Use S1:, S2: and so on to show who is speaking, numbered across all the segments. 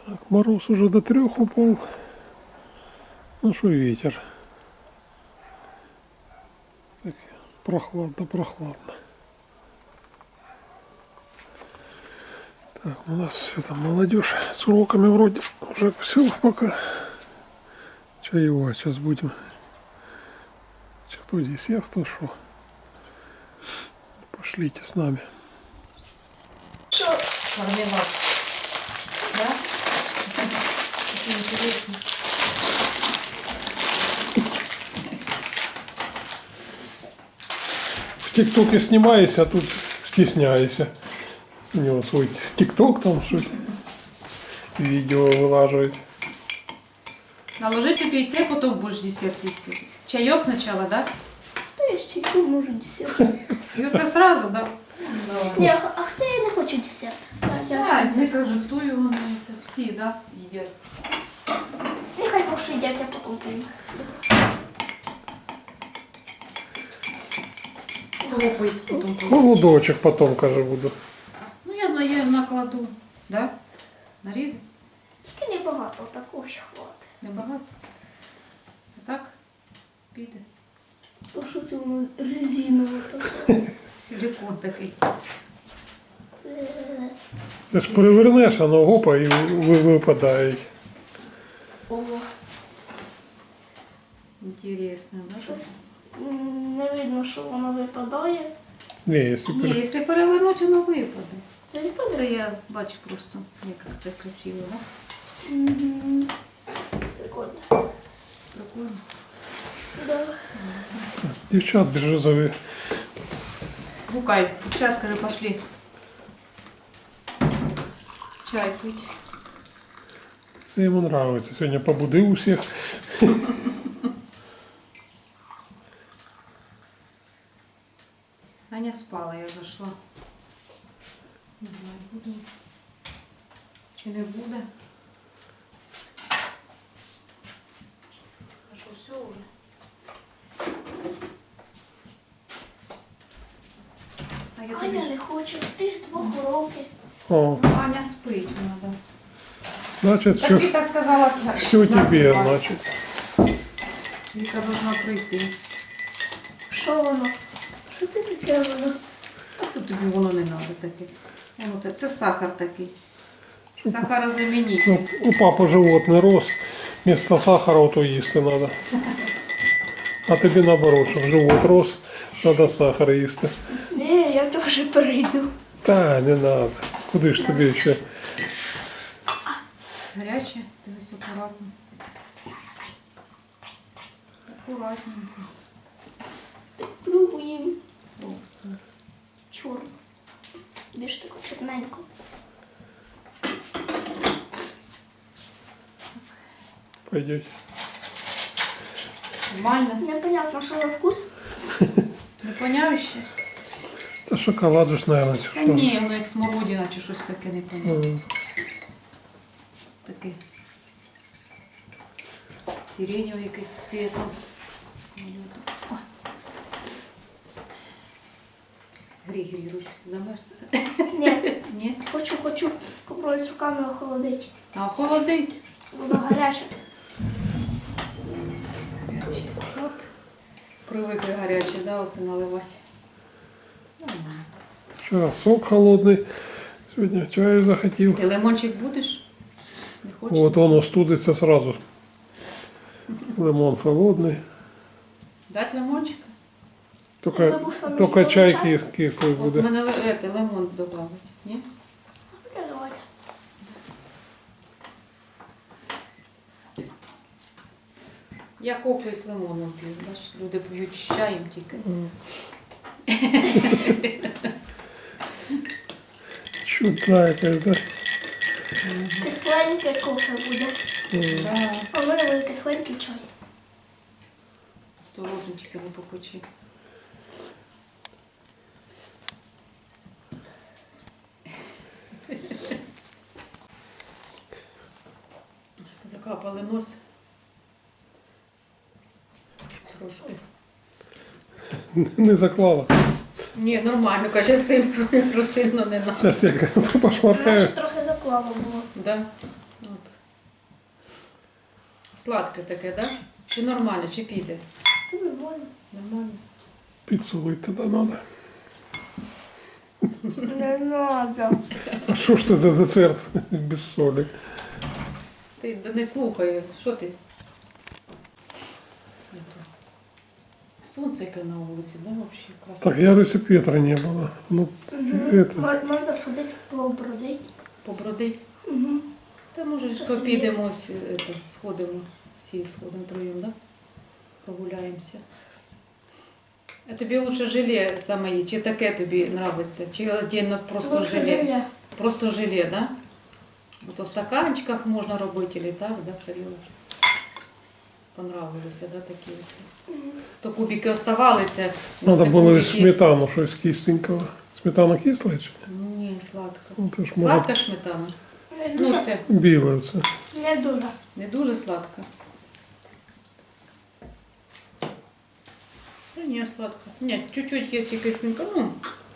S1: Так, мороз уже до 3 упал. Ну что ветер. Так, прохладно. Так, у нас все там молодежь с уроками вроде уже все пока. Чаевать сейчас будем. Кто десерт, кто что. Пошлите с нами.
S2: Мармелад. Да? Очень интересно.
S1: В ТикТоке снимаюсь, а тут стесняюсь. У него свой ТикТок там что-то. Видео вылаживать.
S2: Наложите яйце, потом будешь десерт їсти. Чайок сначала, да?
S3: Хто я ще чайку можу десерт?
S2: І оце сразу, да?
S3: Ні, а хто я не хочу десерт?
S2: Так, не кажу, хто його не це всі, да, їдять.
S3: Нехай поки їдять, я потім прийму.
S2: Хлопають потім.
S1: Холодочек потом, каже, буду.
S2: Ну, я накладу, да? Нарізати?
S3: Тільки небагато, такого ще хватить.
S2: Небагато. А так? Піде.
S3: А що це воно резинове таке?
S2: Силикон такий.
S1: Ти ж перевернеш, воно гопа і випадає.
S3: О,
S2: Інтересно, да?
S3: щось не видно, що воно випадає.
S1: Ні, якщо
S2: Ні, якщо перевернути, воно випаде.
S3: Не випадає?
S2: Це я бачу просто, як це красиво, да?
S3: Мгм. Прикольно.
S2: Прикольно.
S3: Да.
S1: дівчат біржозові.
S2: Гукай, сейчас, скажи, пошли. Чай пить.
S1: Це йому подобається. Сьогодні побудив усіх.
S2: Аня спала, я зашла. Не знаю, буду. Чи не буде. А що, все вже? А я тобі...
S3: Аня не хоче, ти 2 років.
S1: О,
S2: Ну, Аня спить, надо.
S1: значить,
S2: Так
S1: все,
S2: Віка сказала,
S1: все тебе, значить.
S2: Віка должна прийти.
S3: Що воно? Що це таке воно?
S2: А тут тобі воно не треба таке. Воно, це сахар такий. Сахарозамінитель.
S1: Ну, у папи животний рос. Вместо сахара то їсти треба. А тобі наоборот, щоб живот рос, треба сахар їсти.
S3: Ні, я теж перейду.
S1: Та, не треба. Куди ж тобі ще?
S2: Гаряче, дивись акуратно. Акуратненько.
S3: Пробуємо.
S2: О,
S3: Чорно. Більш таку чорненьку.
S1: Пойдете.
S2: Нормально.
S3: Непонятно, що за вкус.
S2: Не поняв ще?
S1: Та шоколад же ж, наверное, чи
S2: Та
S1: що.
S2: ні, воно як смородина чи щось таке не поняв. Таке. Сиреневий якийсь з цвітом. О. Грій, руч, замерз.
S3: Ні,
S2: Ні?
S3: хочу попробувати руками охолодити.
S2: А охолодить.
S3: Воно гаряче.
S2: Гаряче. От. Привикли гаряче, да, оце наливати. Нормально.
S1: Вчора сок холодний, сьогодні чаю захотів.
S2: Ти лимончик будеш? Не хочеш?
S1: Вот он остудиться сразу. Лимон холодний.
S2: Дать лимончик?
S1: Только чай кислий
S2: От
S1: буде.
S2: мене лимон додавить. Ні?
S3: Давайте.
S2: Я кофе з лимоном п'ю. Бачиш, люди п'ють з чаєм тільки.
S1: Чудна якась, да?
S3: Кисленьке кофе буде.
S2: Да.
S3: А в мене буде кисленький чай.
S2: Осторожно, тільки не попечи. Закапали нос. Трошки.
S1: Не заклала.
S2: Ні, нормально, каже, сильно не надо.
S1: Зараз я пошмаркаю.
S3: Наче трохи заплава було.
S2: Да? От. Сладке таке, так? Да? Чи нормально, чи піде?
S3: Це нормально.
S2: Нормально.
S1: Підсолити тоді треба.
S3: Не надо.
S1: А що ж це за десерт без солі?
S2: Ти не слухай, що ти? Сонце яке на вулиці, да, взагалі красиво.
S1: Так, я Лисі Петра не було. Ну, это.
S3: Можна сходити побродити.
S2: Побродить?
S3: Угу.
S2: Та може ж
S3: Щас
S2: підемо, сходимо, всі сходимо троєм, да? Погуляємося. А тобі лучше желе саме є, чи таке тобі подобається? Чи отдельно просто желе? Просто желе, да? То в стаканчиках можна робити, или так, да, Кирило? Понравилося, да, такі оці? То кубики оставалися.
S1: Треба
S2: ці
S1: було
S2: кубики-
S1: сметану, щось кисленького. Сметана кисла чи?
S2: Ні, сладка.
S1: Ну, то ж може
S2: Сладка сметана?
S3: Не
S2: Ну,
S3: дуже.
S2: це
S1: біле це.
S3: Не дуже.
S2: не дуже сладка. Ну, ні, сладка. Ні, чуть-чуть є і кисленька, ну.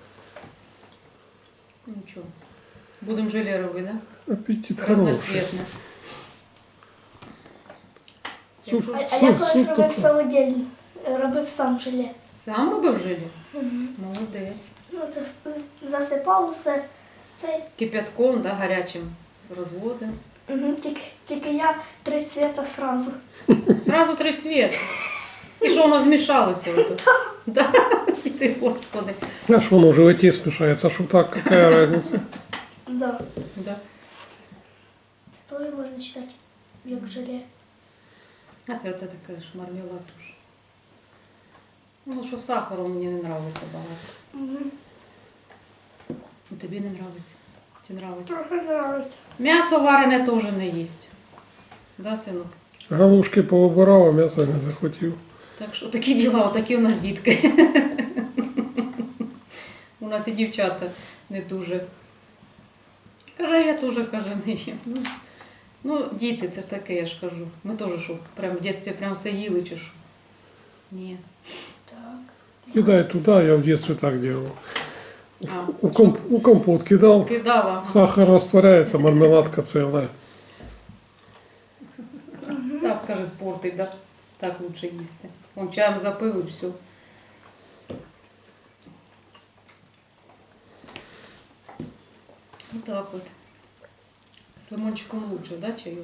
S2: Нічого. Будемо желе робити, да?
S1: Апетит хороший.
S2: Разноцветне.
S1: Суп,
S3: А я
S1: суп,
S3: колись
S1: суп
S3: робив
S1: такий.
S3: самодільно. Робив сам желе.
S2: Сам робив желе?
S3: Угу.
S2: Молодець.
S3: Ну, це засипав усе. Це,
S2: Кипятком, да, гарячим розводим.
S3: угу. Тільки я 3 цвіта сразу.
S2: Зразу 3 цвіти. І що воно змішалося? Ото? Да. І ти, Господи.
S1: А що воно в животі смішається, а що так, яка різниця?
S3: Да.
S2: Да.
S3: Це теж можна читати, як желе.
S2: А це от така ж мармелад уж. Ну, що сахару мені не подобається багато.
S3: Угу.
S2: Ну, тобі не подобається? Чи подобається?
S3: Трохи нравиться.
S2: М'ясо варене теж не їсть. Да, синок?
S1: Галушки повибирав, а м'ясо не захотів.
S2: Так що такі діла, отакі у нас дітки. У нас і дівчата не дуже. Каже, я теж, каже, не їм. Ну, діти, це ж таке, я ж кажу. Ми теж що, прям в дитинстві прям все їли чи що? Ні.
S3: Так.
S1: Кидай туди, я в дитинстві так делал.
S2: А,
S1: У компот кидав,
S2: кидала.
S1: сахар растворяется, мармеладка целая.
S2: Та, скаже, спортить, да? Так лучше їсти. Он чаєм запив і все. Вот так от. З лимончиком лучше, да, чаю?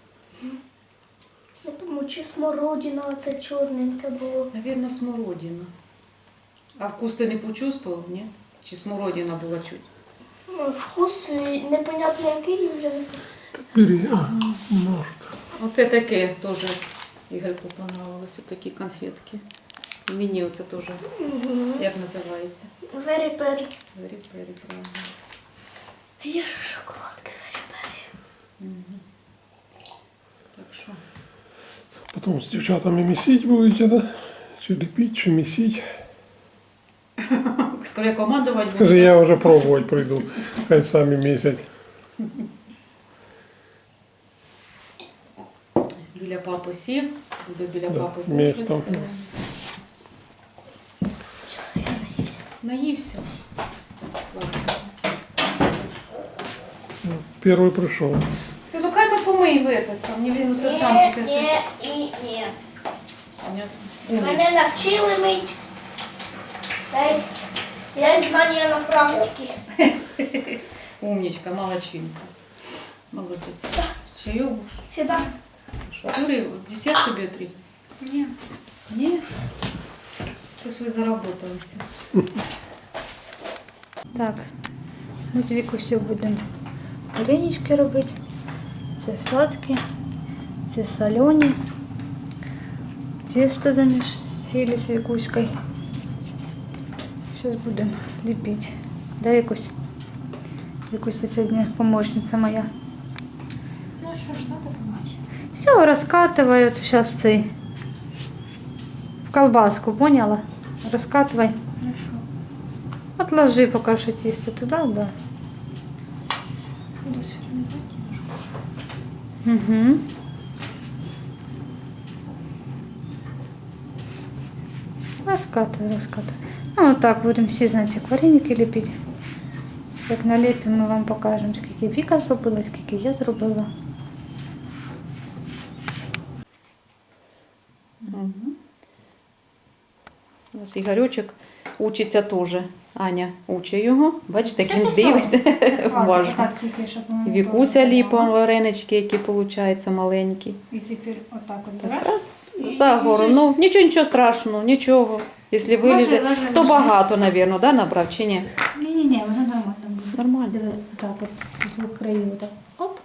S3: Не пойму, чи смородина оце чорненьке було.
S2: Наверное, смородина. А вкус ти не почувствував, ні? Чи смородина була чуть?
S3: Ну, вкус непонятно який вже.
S1: Бери, может.
S2: Оце таке теж Ігорку понравилось, такі конфетки. І мені оце теж,
S3: Угу.
S2: як називається?
S3: Вері-пері.
S2: Вері-пері, правильно.
S3: Є ж шоколадки вері-пері.
S2: Угу. Так що,
S1: Потом с девчатами месить будете, да? Чи лепить, чи месить.
S2: скорее командувати
S1: Скажи, я уже пробовать приду. Хай сами месять.
S2: Біля папи сів, буде біля
S1: Да,
S2: папи
S1: місто.
S2: кушати.
S3: Все, я наївся.
S2: Наївся. Сладко.
S1: Первый пришел.
S2: Це ну хай ми помиємо це сам, не він усе сам після себе.
S3: Ні.
S2: Понятно.
S3: Мене навчили мить. Я знання на практиці.
S2: Умничка, молодчинка. Молодець. Чайок будеш?
S3: Сюда.
S2: Що, Юрій, десерт тобі отрізати?
S3: Ні.
S2: Ні? Ось ви заработалися.
S4: Так, ми з Вікусю будемо варенички робити. Це сладкі, це солені. Тісто замісили з Вікуською. Зараз будемо ліпити. Да, Вікусь? Вікуся сьогодні помощниця моя.
S3: Ну що ж, треба помати.
S4: Все, розкатываю сейчас цей в колбаску, поняла? Розкатывай.
S3: Хорошо.
S4: Отложи пока что тесто туда, да.
S3: Буду сформувати немножко.
S4: Угу. Раскатывай, раскатывай. Ну, вот так будем всі, знаете, вареники лепить. Як налепимо, ми вам покажемо, скільки Віка зробила, скільки я зробила.
S2: У нас Ігорючок учиться теж. Аня учить його. Бачите, як він
S4: Все-все-все.
S2: дивиться.
S4: Хватить,
S2: Уважно.
S4: отак тільки, щоб воно
S2: Вікуся
S4: було
S2: ліпом
S4: прямо.
S2: варенички, які виходять маленькі.
S4: І тепер отак от
S2: Так,
S4: береш.
S2: раз, за гору. Ну, нічого страшного, нічого. Якщо вилізе,
S4: Ложи,
S2: то
S4: ложи.
S2: багато, мабуть, да, набрав чи ні?
S4: Ні, воно нормально буде.
S2: Нормально.
S4: Диви, отак от, з краю, отак. Оп.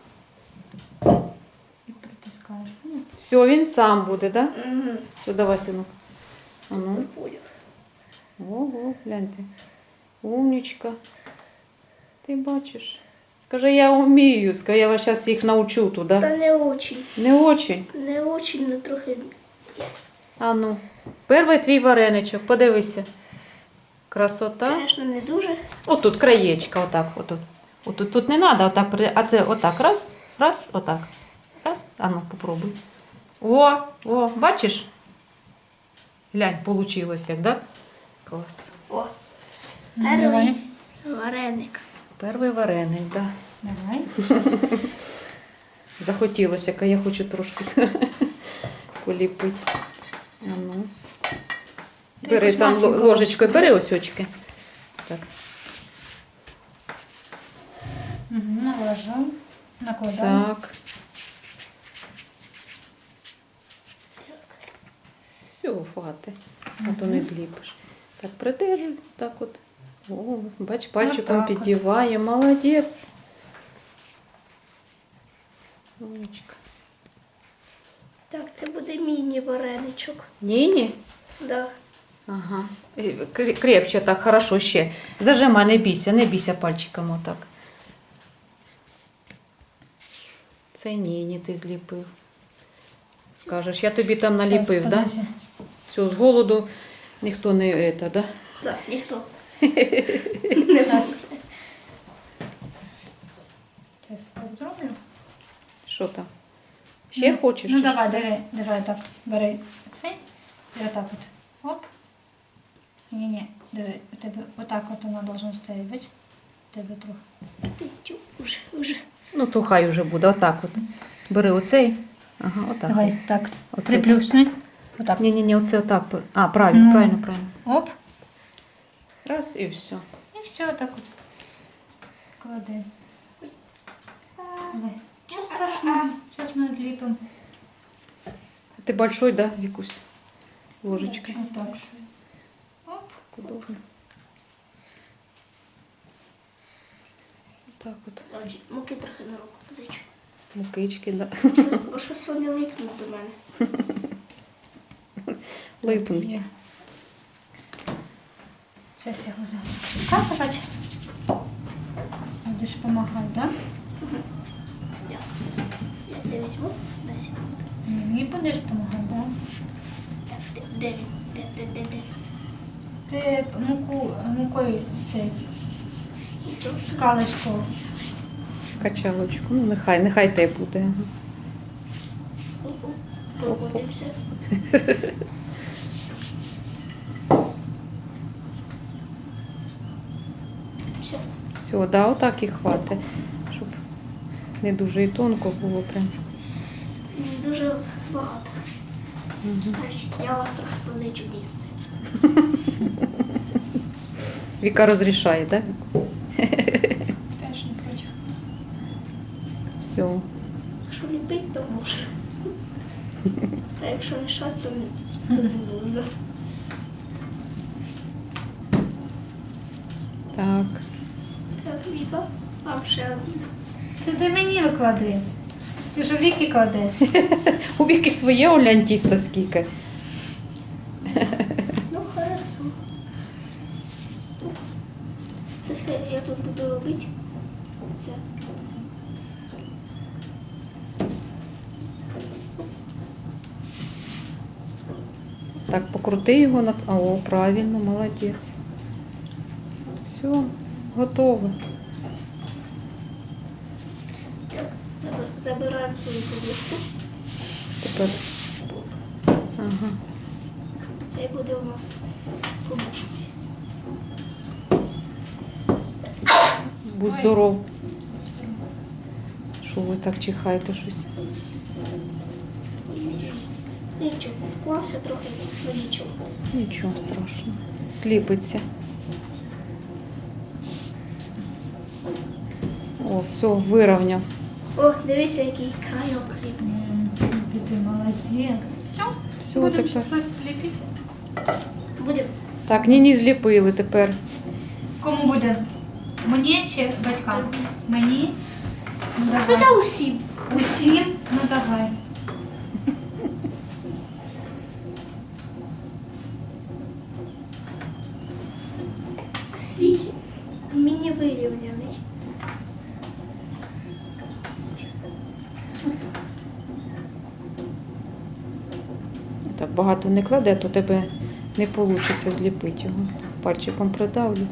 S4: І притискаєш. Ну,
S2: Все, він сам буде, так? Да?
S3: Угу.
S2: Все, давай, синок. А ну.
S3: Поняв.
S2: Ого, гляньте. Умничка. Ти бачиш. Скажи, я вмію. Скажи, я вас зараз їх навчу туди.
S3: Та не очень.
S2: Не очень.
S3: Не очень, не трохи.
S2: А ну. Перший твій вареничок, подивися. Красота.
S3: Звісно, не дуже.
S2: Отут краєчка, отак, отут. Отут тут не треба, отак, а це отак. Раз, раз, отак. Раз. А ну, попробуй. О, бачиш? Глянь, получилось як, да? Клас.
S3: О,
S4: ну, давай.
S3: вареник.
S2: Перший вареник, да.
S4: Давай.
S2: Захотілося, я хочу трошки поліпити. А ну. Бери
S4: якусь
S2: сам
S4: масеньку
S2: ложечкою, бери ось очки. Так.
S4: Наложив. Накладаємо.
S2: Так. Все, хватить. А то не зліпиш. Так, придержуй. Так от. О, бач, пальчиком
S4: Отак от.
S2: піддіває. Молодець. Умничка.
S3: Так, це буде міні-вареничок.
S2: Ні-ні.
S3: Да.
S2: Ага. Крепче так, хорошо ще. Зажимай, не бійся пальчиком отак. Це ні, ти зліпив. Скажеш, я тобі там наліпив, так? Да?
S4: Подожди.
S2: Все, з голоду ніхто не це, да?
S3: Да, ніхто.
S4: Сейчас. Сейчас зроблю.
S2: Що там? Ще хочеш?
S4: Ну давай так. Бери цей. І отак от. Оп. Ні, диви, у тебе отак от воно должно стояти, бач? У тебе трохи.
S3: Уже.
S2: Ну, то хай уже буде, отак от. Бери оцей. Ага, отак.
S4: Давай, так.
S2: Оце.
S4: Приплюсни. Отак.
S2: Ні, оце отак. А, правильно,
S4: Ну.
S2: правильно.
S4: Оп.
S2: Раз і все.
S4: І все, так от. Клади. Давай. Нічого страшного. Зараз ми відліпимо.
S2: Ти большой, да, Вікусь? Ложечкой.
S4: Отак от. Оп.
S2: Удобно. Так от.
S3: Муки трохи на руку позичу.
S2: Мукички, да.
S3: Бо щось вони липнуть до мене.
S2: Липнуть.
S4: Є. Зараз я буду скатувати. Будеш допомагати, так? Да?
S3: Я це візьму на секунду.
S4: Мені будеш допомагати, так? Да?
S3: Так, де він? Де?
S4: Ти мукою цей
S3: Нічого.
S4: скалочку.
S2: Качалочку. Ну, нехай те буде. Ага.
S3: Прокотимося. Все.
S2: Все, да, отак і хватить. Щоб не дуже і тонко було прям.
S3: Дуже багато.
S2: Угу.
S3: Значить, я вас трохи позичу місце.
S2: Віка розрішає, так?
S3: Теж не проти.
S2: Все.
S3: Якщо ліпить, то можна. А якщо мішати, то не можна.
S2: Так.
S3: Так, Віка, вам ще одне.
S4: Це ти мені виклади. Ти ж у Віки кладеш.
S2: У Віки своє олянь тісто скільки.
S3: Ну, хорошо. Це що я тут буду робити? Це.
S2: Так, покрути його на. О, правильно, молодець. Все, готово.
S3: Так, забираємо свою подушку.
S2: Тепер. Ага.
S3: Це буде у нас подушка.
S2: Будь здоров. Що ви так чихаєте щось?
S3: Нічого, склався трохи, ну нічого.
S2: Нічого страшного. Сліпиться. О, все, вирівняв.
S3: О, дивися, який крайок рівний.
S4: Ти молодець. Все,
S2: Все,
S4: будемо
S2: тепер.
S4: щасливо ліпити.
S3: Будемо.
S2: Так, ні, зліпили тепер.
S4: Кому буде? Мені чи батькам? Мені? Ну давай.
S3: Хоча усім.
S4: Усім? Ну давай.
S3: Свіжий, міні-вирівняний.
S2: Так багато не кладе, то тебе не вийде зліпити його. Пальчиком придавлю.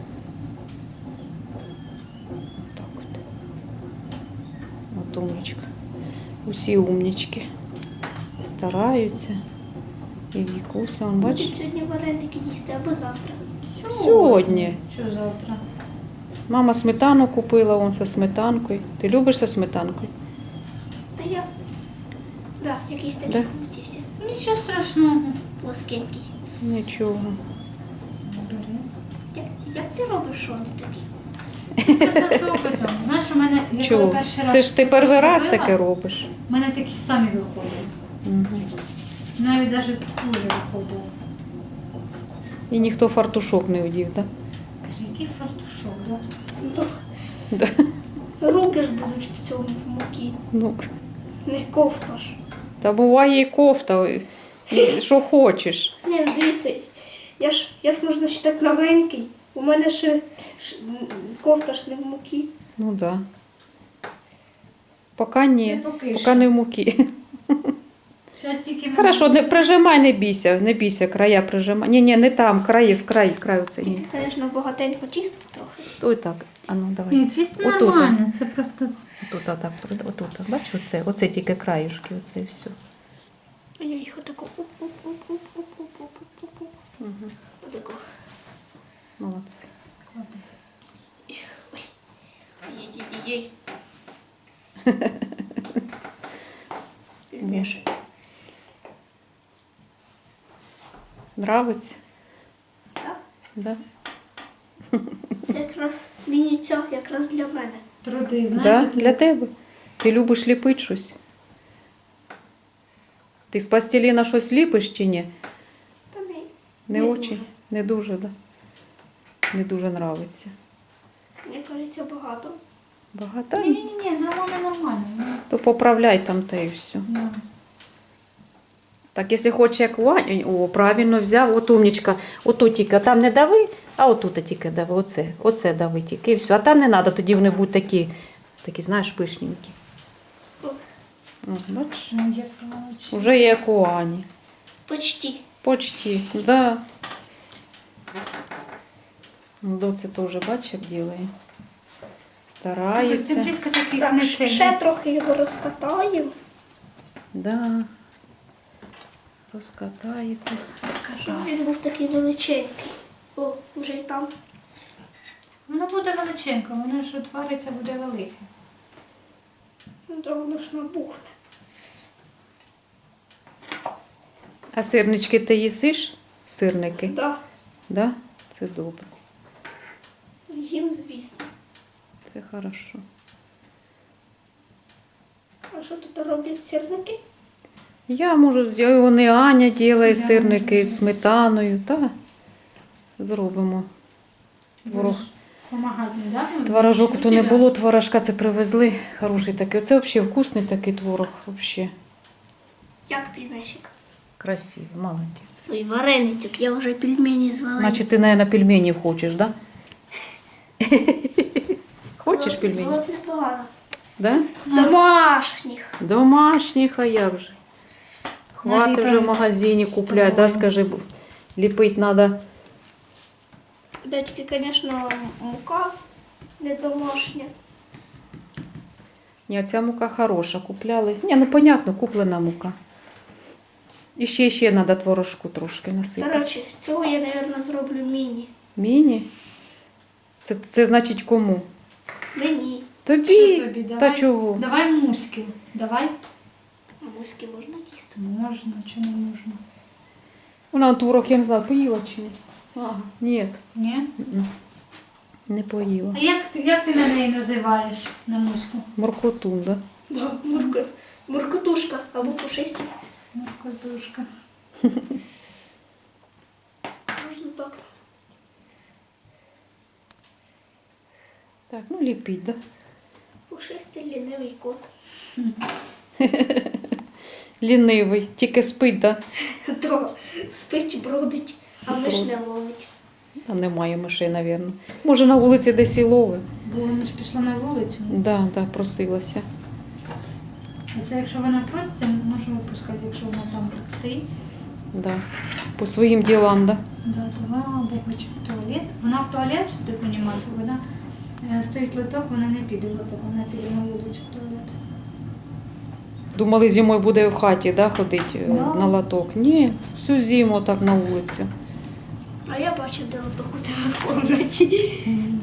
S2: Так от. От умничка. Усі умнички. Стараються. І Вікуся, он бачиш?
S3: Будуть сьогодні вареники їсти або завтра.
S2: Сьогодні.
S4: Що завтра?
S2: Мама сметану купила, он со сметанкою. Ти любиш со сметанкою?
S3: Та я. Да, якийсь такий
S2: Да?
S3: плутівся.
S4: Нічого страшного.
S3: Плоскенький.
S2: Нічого.
S3: Як ти робиш, що вони такі?
S4: Просто з опитом. Знаєш, у мене, я коли
S2: Чого?
S4: перший раз...
S2: Це ж ти перший раз
S4: робила,
S2: таке робиш.
S4: У мене такі самі виходять.
S2: Угу.
S4: Навіть навіть хуже виходило.
S2: І ніхто фартушок не одів, так?
S4: Каже, який фартушок, да?
S3: Ну,
S2: Да?
S3: руки ж будуть в цьому муки.
S2: Ну,
S3: Не кофта ж.
S2: та буває і кофта, і що хочеш.
S3: Ні, ну дивіться, я ж можна ще так новенький. У мене ще кофта ж не в муки.
S2: Ну так. Да. Поки ні.
S4: Це поки що.
S2: Поки не в муки.
S4: Зараз тільки мене...
S2: Хорошо, не прижимай, не бійся, края прижимай. Ні, не там, край оце. Ні.
S3: Тільки, звісно, багатенько чисто трохи.
S2: Ой так, а ну давай.
S4: Ні, чисто
S2: Отут.
S4: нормально, це просто...
S2: Отут, отут, бачиш, оце тільки краюшки, оце і все.
S3: А я їх отако.
S2: Угу.
S3: Отако.
S2: Молодці.
S3: Ой. Ой-ой-ой. Пельмешек.
S2: Нравиться?
S3: Так?
S2: Да?
S3: Це якраз міні-ця, якраз для мене.
S4: Труди,
S2: Да?
S4: знаєш,
S2: Для тебе. Ти любиш ліпити щось? Ти з пластиліна щось ліпиш чи ні?
S3: Та не.
S2: Не
S3: Не
S2: очень?
S3: дуже.
S2: Не дуже, да? Не дуже нравиться.
S3: Мені кажеться, багато.
S2: Багато?
S4: Ні, нормально.
S2: То поправляй там те і все.
S4: Да.
S2: Так, якщо хочеш як Ваня, о, правильно взяв, от умнічка, отут тільки, там не дави, а отут тільки дави, оце дави тільки, і все. А там не треба, тоді вони будуть такі, знаєш, пишненькі.
S3: О,
S2: О, бачиш?
S4: Ну, як молодці.
S2: Уже як у Ані.
S3: почти.
S2: Почти, да. Доця теж, бачиш, як ділає. Старається.
S4: Близько таких
S3: Так,
S4: не
S3: ще
S4: сильно.
S3: трохи його розкатаю.
S2: Да. Розкатаєте.
S3: Щоб він був такий величенький. О, вже й там.
S4: Воно буде величенько, воно ж утвориться, буде велике.
S3: Ну, то воно ж набухне.
S2: А сирнички ти їсиш? Сирники?
S3: Да,
S2: Да? Це добре.
S3: їм, звісно.
S2: Це хорошо.
S3: А що тут роблять сірники?
S2: Я можу, вони Аня робить
S4: Я
S2: сирники
S4: можу.
S2: з сметаною, та зробимо. Творог.
S4: Помагати, да?
S2: Творожок то не
S4: Тебе?
S2: було, творожка це привезли. Хороший такий. Оце взагалі вкусний такий творог. Взагалі.
S3: Як пельмешик?
S2: Красивий, молодець.
S3: Ой, вареницюк, я вже пельмені звала.
S2: Значить, ти, мабуть, пельменів хочеш, да? Хочеш пельмені?
S3: Було б непогано.
S2: Да?
S3: Домашніх.
S2: Домашніх, а як же? Хватить вже в магазині
S4: з
S2: купляти, да,
S4: тобою.
S2: скажи, ліпити треба.
S3: Да, тільки, звісно, мука не домашня.
S2: Ні, ця мука хороша, купляли. Ні, ну понятно, куплена мука. І ще треба творожку трошки насипати.
S3: Коротше, цього я, мабуть, зроблю міні.
S2: Міні? Це значить кому?
S3: Мені.
S2: Тобі?
S4: Що тобі?
S2: Та
S4: Давай.
S2: чого?
S4: Давай муськи. Давай.
S3: А муськи можна їсти?
S4: Можна, чи не можна?
S2: Вона творог, я не знаю, поїла чи ні? Ага, ні.
S4: Ні?
S2: Не поїла.
S4: А як ти на неї називаєш, на муську?
S2: Моркотун, да?
S3: Да, муркотушка або пушистик.
S4: Моркотушка.
S3: Можна так.
S2: Так, ну ліпіть, да?
S3: Пушистий лінивий кот.
S2: Лінивий, тільки спить, да?
S3: То спить, бродить, а миш не ловить.
S2: А немає мишей, напевно. Може на вулиці десь і лови.
S4: Бо вона ж пішла на вулицю.
S2: Да, да, просилася.
S4: І це якщо вона проситься, може випускати, якщо вона там стоїть.
S2: Да. По своїм ділам, да?
S4: Да, то вона або хоче в туалет. Вона в туалет, щоб ти розумів, вона стоїть лоток, вона не піде в лоток, вона піде на вулицю в туалет.
S2: Думали, зимою буде в хаті, да, ходити
S4: Да.
S2: на лоток. Ні, всю зиму так на вулиці.
S3: А я бачив, де лоток у тебе в комнаті.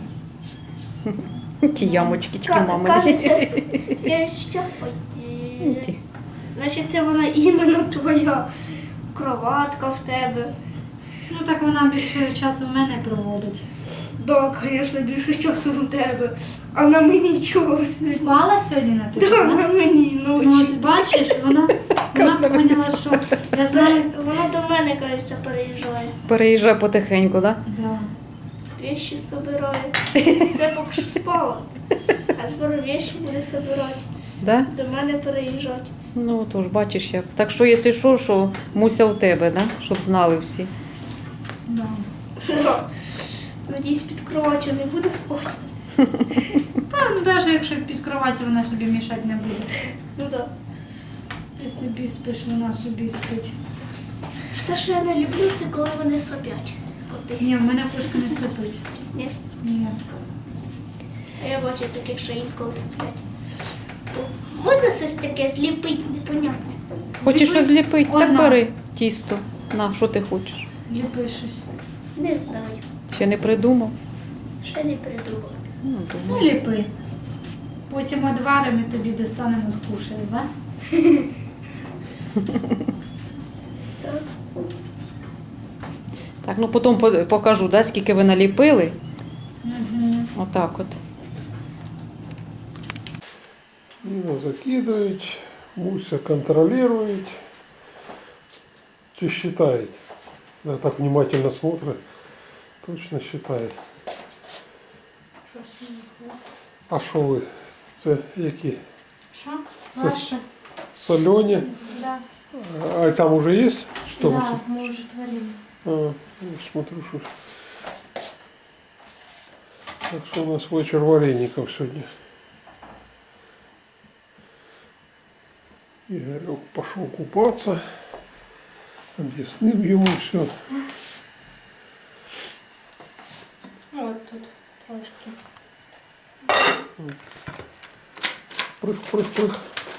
S2: Ті ямочки, тільки мами.
S3: Кажеться, я ще...
S2: Ті.
S3: Значить, це вона іменно твоя кроватка в тебе.
S4: Ну так вона більше часу в мене проводить.
S3: Да, звісно, більше часу в тебе. А на мені чого?
S4: Спала сьогодні на тебе?
S3: Да,
S4: да?
S3: на мені
S4: Ну ось
S3: ночі.
S4: бачиш, вона поняла, що я знаю.
S3: Вона до мене, кажеться, переїжджає.
S2: Переїжджай потихеньку, да?
S4: Да.
S3: Вещи собирає. Це поки що спала. А скоро вещи буде собирати.
S2: Да?
S3: До мене переїжджати.
S2: Ну, тож, бачиш як. Так що, якщо що Муся у тебе, да? Щоб знали всі.
S4: Да.
S3: Да. Надіюсь, під кроватю не буде спати.
S4: Ну, навіть якщо під кроваті вона собі мішати не буде.
S3: Ну так.
S4: Ти собі спиш, вона собі спить.
S3: Все, що я не люблю, це коли вони сопять. Коти.
S4: Ні, в мене кошка не сипить.
S3: Ні.
S4: Ні.
S3: А я бачу таких, що інколи сплять. Можна щось таке зліпити, непонятне?
S2: Хочеш
S4: Зліпи.
S2: щось зліпити? Так
S4: Одна.
S2: бери тісто. На, що ти хочеш?
S4: Ліпи щось.
S3: Не знаю.
S2: Ще не придумав?
S3: Ще не придумала.
S2: Ну,
S4: Ну,
S2: думаю.
S4: ліпи. Потім одваримо і тобі достанемо з кушею, да?
S3: Так.
S2: Так, ну потім покажу, да, скільки ви наліпили.
S4: Угу.
S2: Отак от.
S1: Ніна закидує, Муся контролює. Чи считает? Она так внимательно смотрит, точно считает. А що ви? Це які?
S4: Що?
S1: Це
S4: Ваше?
S1: Солені?
S4: Да.
S1: А там уже есть? Что вы
S4: Да,
S1: тут?
S4: мы уже творим.
S1: А, смотрю, что... Так что у нас вечер вареников сегодня. Игорек пошел купаться. Объяснил ему все.
S4: Вот тут трошки.
S1: Прыг, прыг, прыг.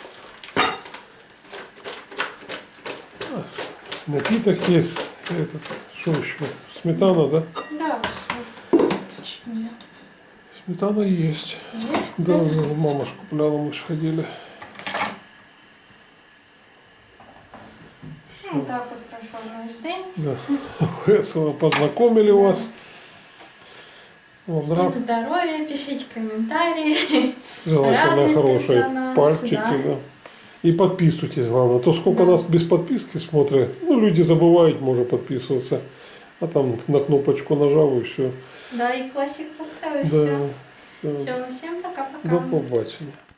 S1: А, напиток есть. Этот, что еще? Сметана, да?
S4: Да, все. Чуть нет.
S1: Сметана есть.
S4: Есть?
S1: Да, мама ж купляла, мы ж ходили.
S4: Ну, так вот прошел наш день.
S1: Да. Весело познакомили вас. Вот,
S5: Всем здоровья, пишите комментарии.
S1: желательно
S5: радуйтесь
S1: хорошие
S5: за нас,
S1: пальчики.
S5: да.
S1: Да. И подписывайтесь, главное. То сколько
S5: Да.
S1: нас без подписки смотрят, ну люди забывают, может подписываться. А там на кнопочку нажал и все.
S5: Да, и классик поставил,
S1: Да.
S5: все.
S1: Все.
S5: Все, всем пока-пока.
S1: До побачення.